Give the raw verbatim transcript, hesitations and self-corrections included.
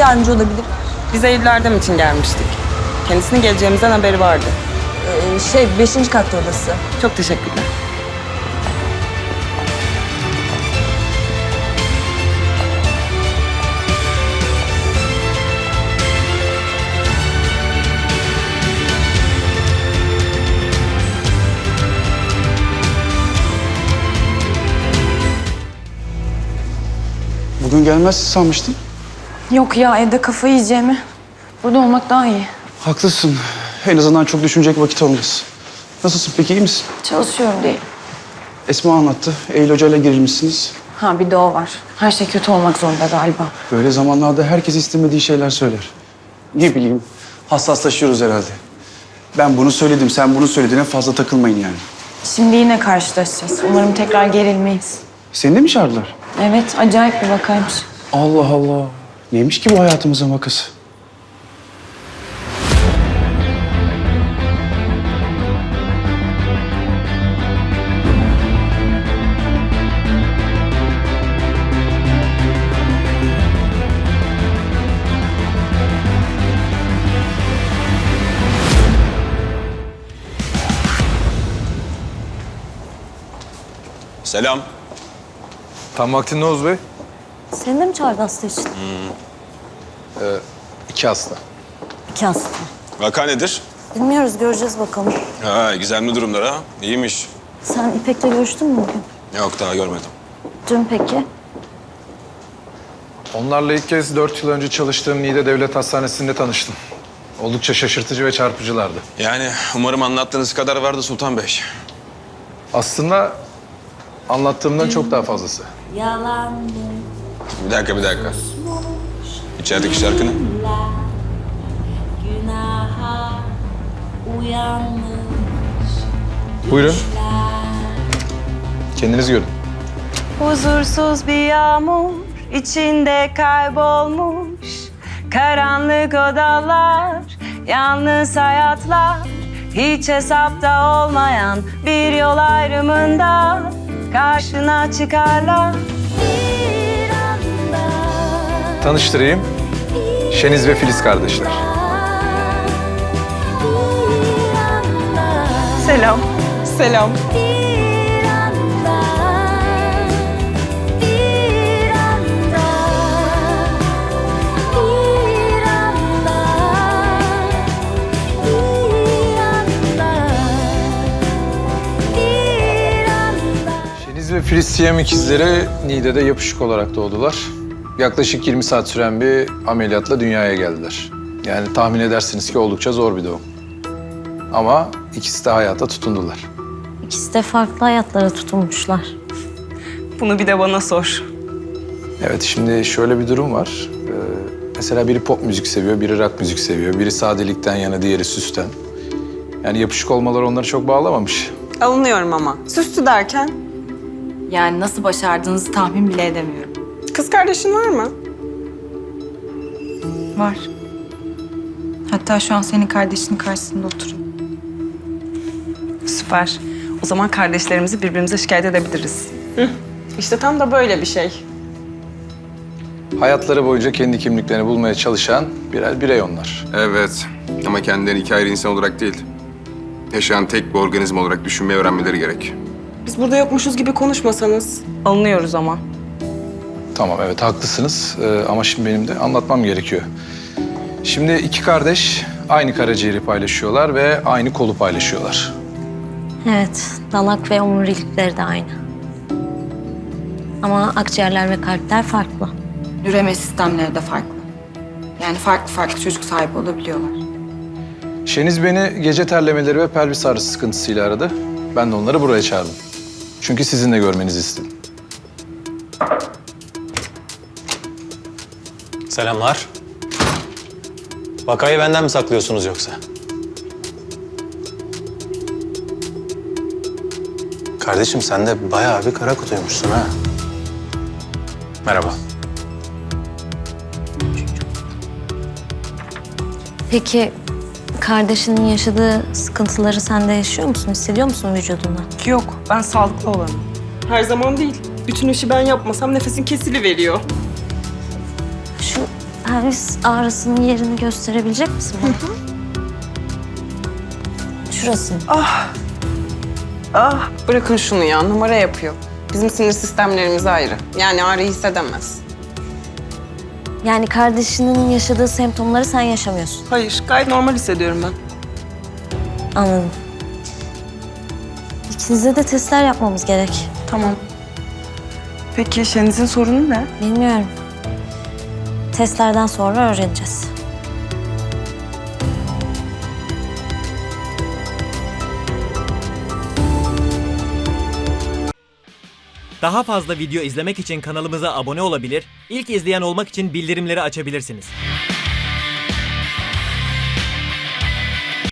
yardımcı olabilirim? Biz Eylül Erdem için gelmiştik. Kendisinin geleceğimizden haberi vardı. Ee, şey, beşinci katta odası. Çok teşekkürler. Bugün gelmezsin sanmıştım. Yok ya, evde kafayı yiyeceğimi. Burada olmak daha iyi. Haklısın. En azından çok düşünecek vakit olmaz. Nasılsın peki, iyi misin? Çalışıyorum değil. Esma anlattı. Eylül Hoca'yla girilmişsiniz. Ha, bir de o var. Her şey kötü olmak zorunda galiba. Böyle zamanlarda herkes istemediği şeyler söyler. Ne bileyim, hassaslaşıyoruz herhalde. Ben bunu söyledim, sen bunu söylediğine fazla takılmayın yani. Şimdi yine karşılaşacağız. Umarım tekrar gerilmeyiz. Seni de mi çağırdılar? Evet, acayip bir vakaymış. Allah Allah. Neymiş ki bu hayatımızın vakası? Selam. Tam vaktinde Oğuz Bey. Seni de mi çağırdı hasta için? İki hasta. İki hasta. Vaka nedir? Bilmiyoruz, göreceğiz bakalım. Ha, gizemli durumlar ha. İyiymiş. Sen İpek'le görüştün mü bugün? Yok, daha görmedim. Dün peki? Onlarla ilk kez dört yıl önce çalıştığım Niğde Devlet Hastanesi'nde tanıştım. Oldukça şaşırtıcı ve çarpıcılardı. Yani umarım anlattığınız kadar vardı Sultan Bey. Aslında anlattığımdan çok daha fazlası. Bir dakika, bir dakika. İçerideki şarkı ne? Buyurun. Kendiniz görün. Huzursuz bir yağmur içinde kaybolmuş. Karanlık odalar, yalnız hayatlar. Hiç hesapta olmayan bir yol ayrımında karşına çıkarlar. Tanıştırayım. Şeniz ve Filiz kardeşler. Selam. Selam. Şeniz ve Filiz Siyam ikizleri Niğde'de yapışık olarak doğdular. Yaklaşık yirmi saat süren bir ameliyatla dünyaya geldiler. Yani tahmin edersiniz ki oldukça zor bir doğum. Ama ikisi de hayata tutundular. İkisi de farklı hayatlara tutunmuşlar. Bunu bir de bana sor. Evet, şimdi şöyle bir durum var. Ee, mesela biri pop müzik seviyor, biri rock müzik seviyor. Biri sadelikten yana, diğeri süsten. Yani yapışık olmaları onları çok bağlamamış. Alınıyorum ama. Süslü derken? Yani nasıl başardığınızı tahmin bile edemiyorum. Kız kardeşin var mı? Var. Hatta şu an senin kardeşinin karşısında oturuyor. Süper. O zaman kardeşlerimizi birbirimize şikayet edebiliriz. Hı. İşte tam da böyle bir şey. Hayatları boyunca kendi kimliklerini bulmaya çalışan birer birey onlar. Evet. Ama kendilerini iki ayrı insan olarak değil, yaşayan tek bir organizma olarak düşünmeyi öğrenmeleri gerek. Biz burada yokmuşuz gibi konuşmasanız. Alınıyoruz ama. Tamam, evet haklısınız. Ee, ama şimdi benim de anlatmam gerekiyor. Şimdi iki kardeş aynı karaciğeri paylaşıyorlar ve aynı kolu paylaşıyorlar. Evet, dalak ve omurilikleri de aynı. Ama akciğerler ve kalpler farklı. Üreme sistemleri de farklı. Yani farklı farklı çocuk sahibi olabiliyorlar. Şeniz beni gece terlemeleri ve pelvis ağrısı sıkıntısıyla aradı. Ben de onları buraya çağırdım. Çünkü sizin de görmenizi istedim. Selamlar. Vakayı benden mi saklıyorsunuz yoksa? Kardeşim sen de bayağı bir kara kutuymuşsun ha. Merhaba. Peki kardeşinin yaşadığı sıkıntıları sen de yaşıyor musun? Hissediyor musun vücudunda? Yok, ben sağlıklı olanım. Her zaman değil. Bütün işi ben yapmasam nefesin kesiliveriyor. Şu pelvis ağrısının yerini gösterebilecek misin bana? Şurası. Ah, bırakın şunu ya, numara yapıyor. Bizim sinir sistemlerimiz ayrı. Yani ağrıyı hissedemez. Yani kardeşinin yaşadığı semptomları sen yaşamıyorsun. Hayır, gayet normal hissediyorum ben. Anladım. İkinize de testler yapmamız gerek. Tamam. Peki Şeniz'in sorunu ne? Bilmiyorum. Testlerden sonra öğreneceğiz. Daha fazla video izlemek için kanalımıza abone olabilir, ilk izleyen olmak için bildirimleri açabilirsiniz.